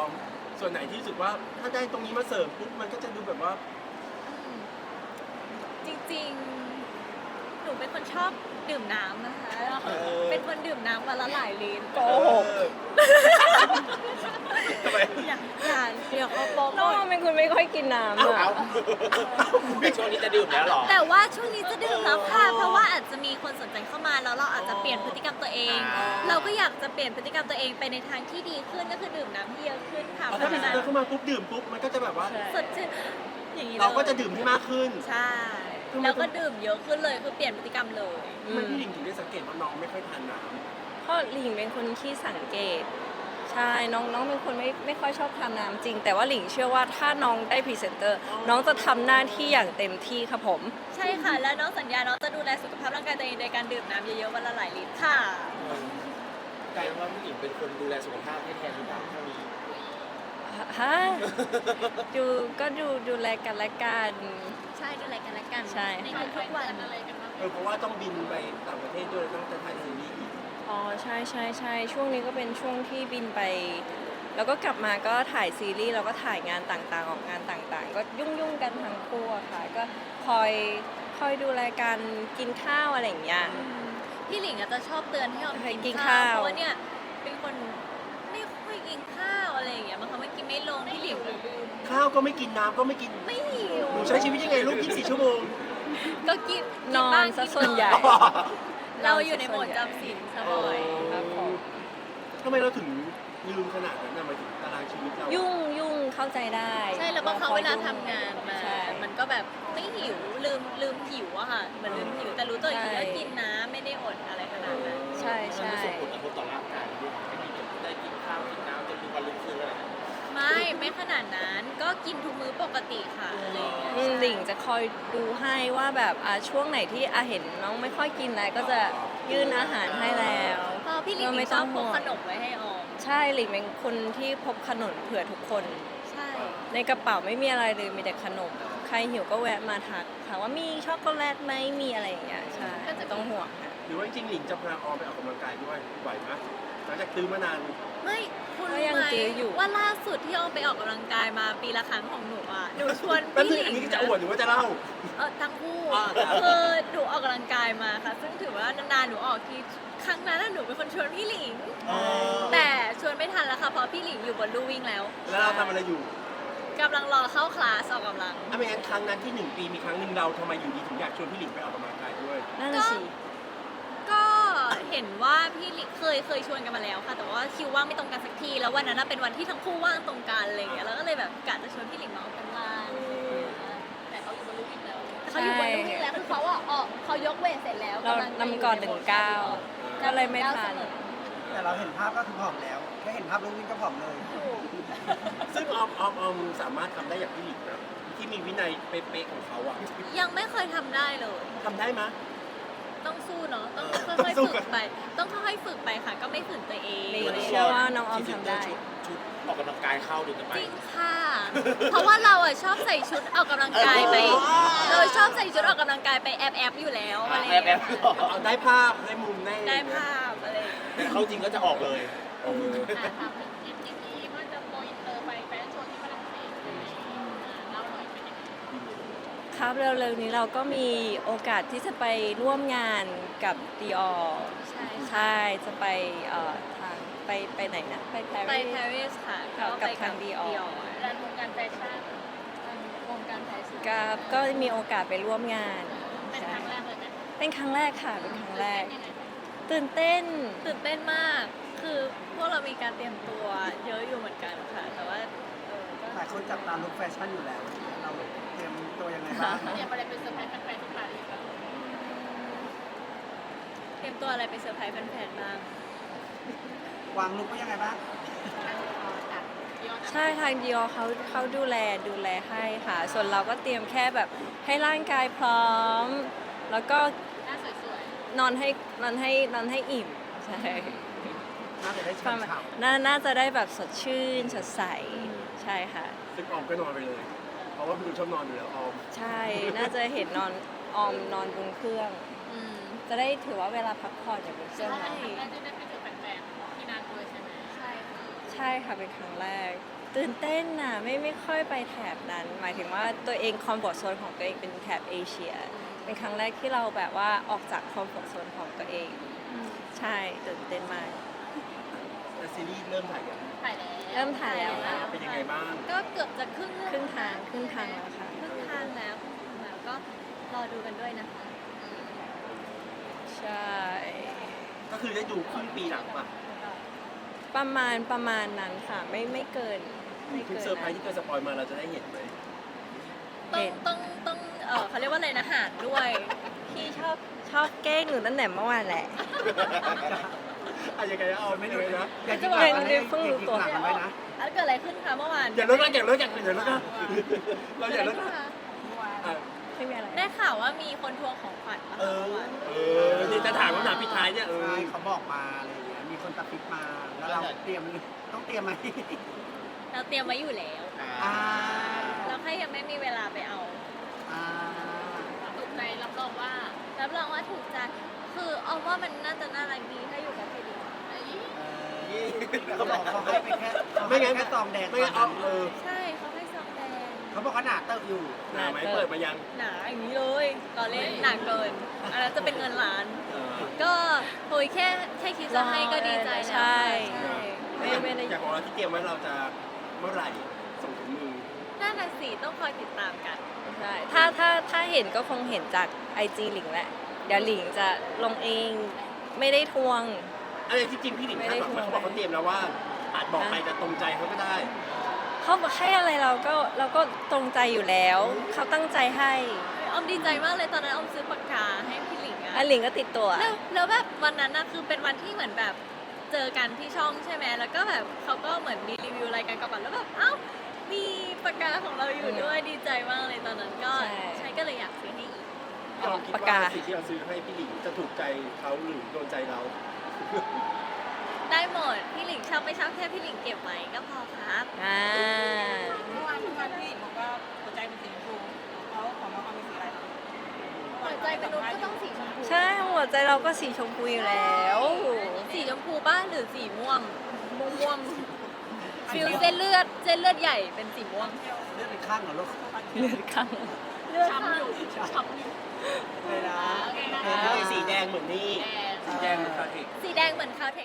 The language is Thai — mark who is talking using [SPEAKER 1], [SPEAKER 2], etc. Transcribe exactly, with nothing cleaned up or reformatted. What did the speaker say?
[SPEAKER 1] มส่วนไหนที่รู้สึกว่าถ้าได้ตรงนี้มาเสริมปุ๊บมันก็จะดูแบบว่า
[SPEAKER 2] จริงๆ หนูเป็นคนชอบดื่มน้ำนะคะ
[SPEAKER 1] เออ
[SPEAKER 2] เป็นคนดื่มน้ำวันละหลายลิตร
[SPEAKER 1] โกหกทำไม
[SPEAKER 2] อย่าอย่าเดี๋ยวเขาโป๊ะ
[SPEAKER 3] น้องเป็นคนไม่ค่อยกินน้ำ
[SPEAKER 1] เอา
[SPEAKER 3] อะ
[SPEAKER 4] ในช่วงนี้จะดื่มแล้วเหรอ
[SPEAKER 2] แต่ว่าช่วงนี้จะดื่มแล้วค่ะ
[SPEAKER 1] อ๋อ
[SPEAKER 2] เพราะว่าอาจจะมีคนสนใจเข้ามาแล้วเราอาจจะเปลี่ยนพฤติกรรมตัวเอง
[SPEAKER 4] อ่า
[SPEAKER 2] เราก็อยากจะเปลี่ยนพฤติกรรมตัวเองไปในทางที่ดีขึ้นก็คือดื่มน้ำที่เยอะขึ้นค่ะ
[SPEAKER 1] เอา
[SPEAKER 2] เพ
[SPEAKER 1] ถ้า
[SPEAKER 2] ราะ
[SPEAKER 1] มี
[SPEAKER 2] ฉะนั้น
[SPEAKER 1] เดินเข้ามาปุ๊บดื่มปุ๊บมันก็จะแบบว่า
[SPEAKER 2] สดชื่นอย่างนี้ลย
[SPEAKER 1] เราก็จะดื่มให้มากขึ้น
[SPEAKER 2] ใช่แล้วก็ดื่มเยอะขึ้นเลยคือเปลี่ยนพฤติกรรมเลย
[SPEAKER 1] ทำไมพี่หลิงถึงได้สังเกตว่าน้องไม่ค่อยทานน้
[SPEAKER 3] เพราะหลิงเป็นคนที่สังเกต ใช่น้องน้องเป็นคนไม่ไม่ค่อยชอบทานน้ำจริง แต่ว่าหลิงเชื่อว่าถ้าน้องได้พรีเซนเตอร์น้องจะทำหน้าที่อย่างเต็มที่ครับผม
[SPEAKER 2] ใช่ค่ะ แล้วน้องสัญญาน้องจะดูแลสุขภาพร่างกายตัวเองโดยการดื่มน้ำเยอะๆวันละหลายลิตรค่ะ
[SPEAKER 4] กลายเป็นว่าผู้หญิงเป็นคนดูแลสุขภาพให้แทนหรือเปล่าเท่านี้
[SPEAKER 3] ฮะดูก็ดูดูแลกันและกัน
[SPEAKER 2] ใช่ดูแลกันและกัน
[SPEAKER 3] ใช่
[SPEAKER 2] ในทุกๆวันอะไรกันบ้าง
[SPEAKER 1] ำเออเพราะว่าต้องบินไปต่างประเทศด้วยต้องจะถ่ายซีรีส์อีก
[SPEAKER 3] อ๋อใช่ใช่ใช่ช่วงนี้ก็เป็นช่วงที่บินไป แล้วก็กลับมาก็ถ่ายซีรีส์แล้วก็ถ่ายงานต่างๆ ออกงานต่างๆ ก็ยุ่งยุ่งๆกันทั้งคู่อะค่ะก็คอยคอยดูแลกันกินข้าวอะไรอย่างเงี้ย
[SPEAKER 2] พี่หลิงอาจจะชอบเตือนให้ออม
[SPEAKER 3] ให้กิ
[SPEAKER 2] กิ
[SPEAKER 3] น
[SPEAKER 2] น
[SPEAKER 3] ข้า
[SPEAKER 2] ข้าว วเพราะว่าเนี่ยเป็นคนไม่ค่อยกินข้าวอะไรอย่างเงี้ยบางครั้งไม่กินไม่ลงพี่หลิง
[SPEAKER 1] ข้าวก็ไม่กินน้ำก็ไม่กิน
[SPEAKER 2] ไม่หิว
[SPEAKER 1] หนูใช้ชีวิตยังไงลูกยี่สิบสี่ชั่วโมง
[SPEAKER 2] ก็กิน
[SPEAKER 3] นอน
[SPEAKER 2] บ้าง
[SPEAKER 3] ซะ
[SPEAKER 2] กิ
[SPEAKER 3] ส่วนใหญ่
[SPEAKER 2] เราอยู่ในโหมดจำศีลซะบ่อย
[SPEAKER 3] ครับผม
[SPEAKER 1] ทำไมเราถึงลืมขนาดนั้นนะหมายถึงตารางชีวิตเรา
[SPEAKER 3] ยุ่งยุ่งเข้าใจได้
[SPEAKER 2] ใช่แล้วบางครั้งเวลาทำงานมา
[SPEAKER 3] ใช่
[SPEAKER 2] มันก็แบบไม่หิวลืมลืมหิวอะค่ะเหมือนลืมหิวแต่รู้ตัวอีกที
[SPEAKER 3] ใช่
[SPEAKER 2] ก็กินน้ำไม่ได้อดอะไรขนาดนั้น
[SPEAKER 3] ใช่ใช่
[SPEAKER 4] มันส่งผลกระทบต่อร่างกายด้วยไม่มีได้กินข้าวกินน้ำจนถึงวันรุ่งขึ้นอะไรอย่างเงี้ย
[SPEAKER 2] ไม่ไม่ขนาดนั้นก็กินทุกมื้อปกติค่ะอะไรอย่างเงี้ย
[SPEAKER 3] อืมหลิงจะคอยดูให้ว่าแบบอ่ะช่วงไหนที่อาเห็นน้องไม่ค่อยกินอะไรก็จะยื่นอาหารให้แล้ว
[SPEAKER 2] พอพี่หลิง
[SPEAKER 3] เราไม่
[SPEAKER 2] ช
[SPEAKER 3] ต้
[SPEAKER 2] อ
[SPEAKER 3] อบ ง
[SPEAKER 2] พ
[SPEAKER 3] ห่
[SPEAKER 2] ก
[SPEAKER 3] วง
[SPEAKER 2] ขนมไว้ให้ออม
[SPEAKER 3] ใช่หลิงเป็นคนที่พบขนมเผื่อทุกคน
[SPEAKER 2] ใช่
[SPEAKER 3] ในกระเป๋าไม่มีอะไรเลยมีแต่ขนม ใครหิวก็แวะมาทักถามว่ามีช็อกโกแลตไหมมีอะไรอย่างเงี้ยใช่ไม่ต้องห่วงค่ะ
[SPEAKER 1] หรือว่าจริงๆหลิงจะพาออมไปออกกำลังกายด้วยไหวไหมหลังจากตื้อมานาน
[SPEAKER 2] ไม่คุณ
[SPEAKER 3] ก็
[SPEAKER 2] รู้
[SPEAKER 3] ยัง
[SPEAKER 2] ไหม
[SPEAKER 3] จื้ออยู่
[SPEAKER 2] ว่าล่าสุดที่ออมไปออกกำลังกายมาปีละครั้งของหนูอ่ะหนูชวน
[SPEAKER 1] แป๊บ
[SPEAKER 2] พี่
[SPEAKER 1] นึง
[SPEAKER 2] หลิ
[SPEAKER 1] อัน
[SPEAKER 2] ง
[SPEAKER 1] นี้จะอวดหรือว่าจะเล่า
[SPEAKER 2] เออทั้งคู่
[SPEAKER 1] อ่าครับ
[SPEAKER 2] คือหนูออกกำลังกายมาค่ะ ซึ่งถือว่านานๆหนูออกทีครั้งนั้นน่ะหนูเป็นคนชวนพี่หลิง แต่ชวนไม่ทันแล้วค่ะเพราะพี่หลิงอยู่บนลู่วิ่งแล้ว
[SPEAKER 1] แล้วเราทำอะไรอยู่
[SPEAKER 2] กำลังรอเข้าคลาสออกกำลัง
[SPEAKER 1] ถ้าไม่งั้นครั้งนั้นที่หนึ่งปีมีครั้งหนึ่งเราทำไมอยู่ดีถึงอยากชวนพี่หลิงไปออกกำลังกายด้วย
[SPEAKER 3] นั่นน่ะสิ
[SPEAKER 2] ก็เห็นว่าพี่หลิงเคยเคยชวนกันมาแล้วค่ะ แต่ว่าคิวว่างไม่ตรงกันสักที แล้ววันนั้นนะเป็นวันที่ทั้งคู่ว่างตรงกันอะไรอย่างเงี้ยแล้วก็เลยแบบกะจะชวนพี่หลิงมาออกกำลังแต่เขาอยู่บนลู่วิ่งแล้วแต่เขาอยู่บนลู่วิ่งแล้วคือเขาอ่ะออกเขายกเวทเสร็จแล้ว
[SPEAKER 3] เรา
[SPEAKER 2] กำลังจะ
[SPEAKER 3] นำก่อนหนึ่งก้าวก็เลยไม่ทัน
[SPEAKER 5] แต่เราเห็นภาพก็คือผอมแล้ว แค่เห็นภาพลูกวิ่งก็ผอมเลย
[SPEAKER 1] ซึ่งออมออมออมสามารถทำได้อย่างพี่หลิงนะที่มีวินัยเป๊ะๆของเขาอะ
[SPEAKER 2] ยังไม่เคยทำได้เลย
[SPEAKER 1] ทำได้ไหม
[SPEAKER 2] ต้องสู้เนาะต้อง
[SPEAKER 1] เออ
[SPEAKER 2] ค่อย
[SPEAKER 1] สู้
[SPEAKER 2] ๆฝึ
[SPEAKER 1] กั
[SPEAKER 2] ก
[SPEAKER 1] น
[SPEAKER 2] ไป ต้องค่อยๆฝึกไปค่ะ ก็ไม่ฝืนตัวเอง
[SPEAKER 3] หลิงเชื่อว่าน้องออมทำได้
[SPEAKER 4] ชุดชุดออกกำลังกายเข้าดูกันไป
[SPEAKER 2] จริงค่ะ เพราะว่าเราอ่ะชอบใส่ชุดออกกำลังกายไป เราชอบใส่ชุดออกกำลังกายไปแอบแอบๆอยู่แล้วอะไรอย่าง
[SPEAKER 4] แอ
[SPEAKER 2] เงี้
[SPEAKER 4] บ
[SPEAKER 2] ย
[SPEAKER 4] ๆ
[SPEAKER 1] เอาได้ภาพได้มุมได้
[SPEAKER 2] ได้ภาพอะไรอย่างเงี้ย
[SPEAKER 4] แต่เข้าจริงก็จะออกเลย
[SPEAKER 1] เออ
[SPEAKER 6] ถามถึงทริปนี้ว่าจะโกอินเตอร์ไปแฟชั่นโชว์ที่ฝรั่งเศสเล่าหน่อยเป็นยังไง
[SPEAKER 3] ครับเร็วๆนี้เราก็มีโอกาสที่จะไปร่วมงานกับ Dior
[SPEAKER 2] ใช่ค่ะ
[SPEAKER 3] ใช่จะไปเอ่อทางไปไปไหนนะ ไปปา
[SPEAKER 2] ไป
[SPEAKER 3] รีส
[SPEAKER 2] ปารีสค่ะ
[SPEAKER 3] กั
[SPEAKER 2] ก็
[SPEAKER 3] บ
[SPEAKER 2] ไป
[SPEAKER 3] ทาง Dior
[SPEAKER 6] รันวงการแฟชั่น
[SPEAKER 2] วงการแฟชั่น
[SPEAKER 3] กับก็มีโอกาสไปร่วมงาน
[SPEAKER 6] เป็น
[SPEAKER 3] ใช่
[SPEAKER 6] ครั้งแรกเลยไหม
[SPEAKER 3] เป็นครั้งแรกค่ะ เป็นครั้งแรก
[SPEAKER 6] ยังไง
[SPEAKER 3] ตื่นเต้น
[SPEAKER 2] ตื่นเต้นมาก คือพวกเรามีการเตรียมตัวเยอะอยู่เหมือนกันค่ะ แต่ว่าเออก็
[SPEAKER 5] หลายคนจับตามลุคแฟชั่นอยู่แล้ว เราเตรียมตัวยังไงบ้าง
[SPEAKER 6] เตรียมอะไรเป็นเซอร์ไพรส์แฟนๆที่ปารีสบ้าง
[SPEAKER 2] เตรียมตัวอะไรไปเซอร์ไพรส์แฟนๆบ้าง
[SPEAKER 5] วางลุคไว้ยังไงบ้าง
[SPEAKER 6] จัดยอด
[SPEAKER 3] ใช่ทาง Dior เขาเขาดูแลดูแลให้ค่ะ ส่วนเราก็เตรียมแค่แบบให้ร่างกายพร้อม แล้วก็
[SPEAKER 6] หน้าสวย
[SPEAKER 3] นอนให้นอนให้นอนให้อิ่ม ใช่
[SPEAKER 5] น่าจะได้
[SPEAKER 3] ประมาณ
[SPEAKER 5] ฉ่ำ
[SPEAKER 3] น่าน่าจะได้แบบสดชื่นสดใส ใช่ค่ะ
[SPEAKER 1] ซึ่งออมก็นอนไปเลย เพราะว่าพี่ดูชอบนอนอยู่แล้วออม
[SPEAKER 3] ใช่ น่าจะเห็นนอนออมนอนบนเครื่อง
[SPEAKER 2] อืม
[SPEAKER 3] จะได้ถือว่าเวลาพักผ่อนอย่างบนเค
[SPEAKER 6] ๆ
[SPEAKER 3] รื่อง
[SPEAKER 2] ใช่
[SPEAKER 3] เนาะ
[SPEAKER 6] ครั้งแรกที่ได้ไปเจอแฟนๆที่นั่นด้วยใช่ไหม
[SPEAKER 2] ใช่ค่ะ
[SPEAKER 3] ใใช่ค่ะเป็นครั้งแรก ตื่นเต้นน่ะไม่ไม่ค่อยไปแถบนั้น หมายถึงว่าตัวเองคอมฟอร์ z โซนของตัวเองเป็นแถบเอเชีย เป็นครั้งแรกที่เราแบบว่าออกจากคอมฟอร์ z โซนของตัวเอง ใช่ตื่นเต้นมาก
[SPEAKER 1] แต่ซีรีส์เริ่มถ่ายกัน
[SPEAKER 6] ถ่ายแล้ว
[SPEAKER 3] เริ่มถ่ายแล้วค่ะ
[SPEAKER 1] เป็นยังไงบ้าง
[SPEAKER 2] ก็เกือบจะครึ่งเรื่อง
[SPEAKER 3] ครึ่งทางครึ่งทางแล้วค่ะ
[SPEAKER 2] ครึ่งทางแล้วครึ่งทางแล้วก็รอดูกันด้วยนะคะ
[SPEAKER 3] ใช่
[SPEAKER 1] ก็คือได้ดูครึ่งปีหลังป่ะ
[SPEAKER 3] ประมาณประมาณนั้นค่ะ ไม่ไม่เกินไม่
[SPEAKER 1] ทุก
[SPEAKER 3] เกิน
[SPEAKER 1] เซอร์ไพรส์ที่เคยสปอยมาเราจะได้เห็นไหม
[SPEAKER 2] ต้องต้องต้องเออเขาเรียกว่าอะไรนะหารด้วย
[SPEAKER 3] พี่ชอบชอบแกล้งหนูตั้งแต่เมื่อวานแหละ
[SPEAKER 1] อะยังไงนะเอาไม่ดูนะ
[SPEAKER 5] อย่า
[SPEAKER 3] จะ
[SPEAKER 5] คิด
[SPEAKER 3] บอก
[SPEAKER 5] หลัง
[SPEAKER 3] เป็น
[SPEAKER 5] นะ
[SPEAKER 3] เพิ่งรู้ตัว
[SPEAKER 5] อย่าคิดหลังไว้นะ
[SPEAKER 2] อันเกิดอะไรขึ้นคะเมื่อวาน
[SPEAKER 1] อย่าเลิกนะอย่าเลิกอย่าเลิกอย่าเลิกนะเราอย่าเลิก
[SPEAKER 2] กิด
[SPEAKER 1] นะ
[SPEAKER 2] อะไรขึ้คะ
[SPEAKER 1] อ่ะ
[SPEAKER 3] ไม่มีอะไร
[SPEAKER 2] ได้ข่าวว่ามีคนทวงของขวัญมา
[SPEAKER 1] เออ เออนี่จะถามคำถามปิดท้ายเนี่ยเออ
[SPEAKER 5] ใช่เขาบอกมาอะไรอย่างเงี้ยมีคนตัดฟิกมาแล้วเราเตรียมต้องเตรียมไหม
[SPEAKER 2] เราเตรียมไว้อยู่แล้ว
[SPEAKER 5] อ่า
[SPEAKER 2] เราแค่ยังไม่มีเวลาไปเอา
[SPEAKER 5] อ่า
[SPEAKER 6] ถูกใจรับรองว่า
[SPEAKER 2] รับรองว่าถูกใจคือเอาว่ามันน่าจะน่ารักดีถ้าอยู่กับพี่ดิ
[SPEAKER 6] เอ้ย
[SPEAKER 5] เออเขาบอกเขาให้ไปแค่เขาให้
[SPEAKER 1] ไม่งั้น
[SPEAKER 5] แค่ซองแดง
[SPEAKER 1] ไม่งั้นเอาเออ
[SPEAKER 2] ใช่เขาให้ซองแดง
[SPEAKER 5] เขาบอกเขาหนาเติบอยู่
[SPEAKER 1] หนาไหมเปิดมายัง
[SPEAKER 2] หนาอย่างนี้เลยตอนเล่นหนาเกินอันนั้นจะเป็นเงินล้าน
[SPEAKER 1] เออ
[SPEAKER 2] ก็โอยแค่แค่คิดจะให้ก็ดีใจแล้ว
[SPEAKER 3] ใช่
[SPEAKER 2] ใช่
[SPEAKER 3] ไม่ไม่ได้
[SPEAKER 1] อยากบอกเราที่เตรียมไว้เราจะเมื่อไหร่ส่งถึงมือ
[SPEAKER 2] น่าหนักสีต้องคอยติดตามกัน
[SPEAKER 3] ใช่ถ้าถ้าถ้าเห็นก็คงเห็นจากไอจีหลิงแหละ เดี๋ยวหลิงจะลงเองไม่ได้ทวง
[SPEAKER 1] อะไรที่จริงพี่หลิง
[SPEAKER 3] ไม่
[SPEAKER 1] คาด
[SPEAKER 3] ได้
[SPEAKER 1] หวังไหม
[SPEAKER 3] ทวง
[SPEAKER 1] เขาบอกเขาเตรียมแล้วว่าอาจบอกไปจะตรงใจเขาก็ได้
[SPEAKER 3] เขาบอกให้อะไรเราก็เราก็ตรงใจอยู่แล้ว เขาตั้งใจให้
[SPEAKER 2] ออมดีใจมากเลยตอนนั้นออมซื้อปากกาให้พี่หลิงอะ
[SPEAKER 3] อันหลิงก็ติดตัว
[SPEAKER 2] แล้วแล้วแบบวันนั้นนะคือเป็นวันที่เหมือนแบบเจอกันที่ช่องใช่ไหมแล้วก็แบบเขาก็เหมือนมีรีวิวรายการกระปันแล้วแบบเอ้ามีปากกาของเราอยู่ด้วยดีใจมากเลยตอนนั้นก็ใช้ก็เลยอยากซื้อให้อีก
[SPEAKER 1] เราคิดว่าสิ่งที่เราซื้อให้พี่หลิงจะถูกใจเขาหรือโดนใจเรา
[SPEAKER 2] ได้หมดพี่หลิงชอบไม่ชอบแค่พี่หลิงเก็บไว้ก็พอครับ
[SPEAKER 3] อ่า
[SPEAKER 7] เมื่อวานเมื่อวานพี่บอกว่าหัวใจเป็นสีชมพูเขาของน้องเขาเป็นสีอะไรคะ
[SPEAKER 2] หัวใจมนุษย์ก็ต้องสีชมพู
[SPEAKER 3] ใช่หัวใจเราก็สีชมพูอยู่แล้ว
[SPEAKER 2] สีชมพูบ้านหรือสีม่วงม่วงม่วงฟิลเส้นเลือดเส้นเลือดใหญ่เป็นสีม่วง
[SPEAKER 5] เลือดเป็นข้างเหรอลูก
[SPEAKER 3] เลือดข้าง
[SPEAKER 2] เลือด
[SPEAKER 6] ช้ำอยู่ช้ำอยู่
[SPEAKER 5] เลยนะ
[SPEAKER 6] โอเคนะ
[SPEAKER 1] เออสีแดงเหมือนนี่
[SPEAKER 6] แดง
[SPEAKER 1] สีแดงเหมือนคาเทค
[SPEAKER 2] สีแดงเหมือนคาวเทค